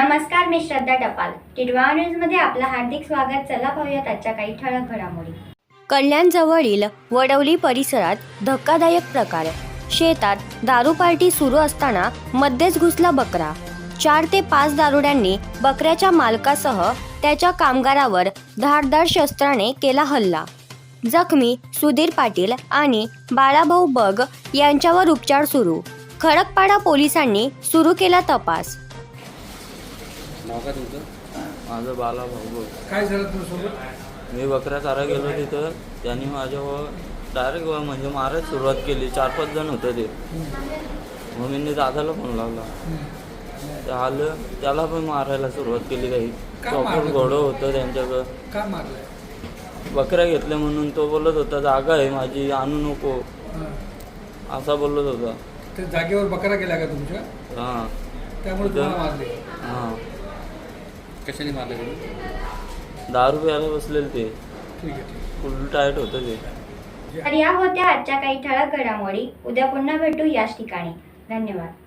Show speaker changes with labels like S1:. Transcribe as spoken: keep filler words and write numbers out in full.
S1: नमस्कार, मी श्रद्धा टपाल. टिडवा न्यूज मध्ये आपलं हार्दिक स्वागत. चला पाहूयात आजच्या काही ठळक घडामोडी.
S2: कल्याणजवळील वडवली परिसरात धक्कादायक प्रकार. शेतात दारू पार्टी सुरू असताना मध्येच घुसला बकरा. चार ते पाच दारुड्यांनी बकऱ्याच्या मालकासह त्याच्या कामगारावर धारदार शस्त्राने केला हल्ला. जखमी सुधीर पाटील आणि बाळाभाऊ बग यांच्यावर उपचार सुरू. खडकपाडा पोलिसांनी सुरू केला तपास.
S3: नाव काय तुमचं?
S4: माझं बाला भाऊ.
S3: काय झालं तुमच्यासोबत?
S4: मी बकऱ्या चारा गेलो तिथं. त्यांनी माझ्यावर डायरेक्ट म्हणजे मारायला सुरुवात केली. चार पाच जण होतं ते. मग मी दादाला फोन लावला. ते आलं, त्याला पण मारायला सुरुवात केली. काही चॉपर घोडं होतं त्यांच्याकडं.
S3: का मारलंय?
S4: बकऱ्या घेतल्या म्हणून तो बोलत होता जागा आहे माझी, आणू नको असा बोलत होता.
S3: ते जागेवर बकरा गेला का तुमच्या?
S4: हां
S3: त्यामुळे तुम्हाला मारले?
S4: हां.
S3: कशाने मारले तुम्ही?
S4: दारू प्यायला बसलेले ते.
S3: ठीक आहे, ठीक
S4: फुल टाईट होतं ते.
S1: तर या होत्या आजच्या काही ठळक घडामोडी. उद्या पुन्हा भेटू याच ठिकाणी. धन्यवाद.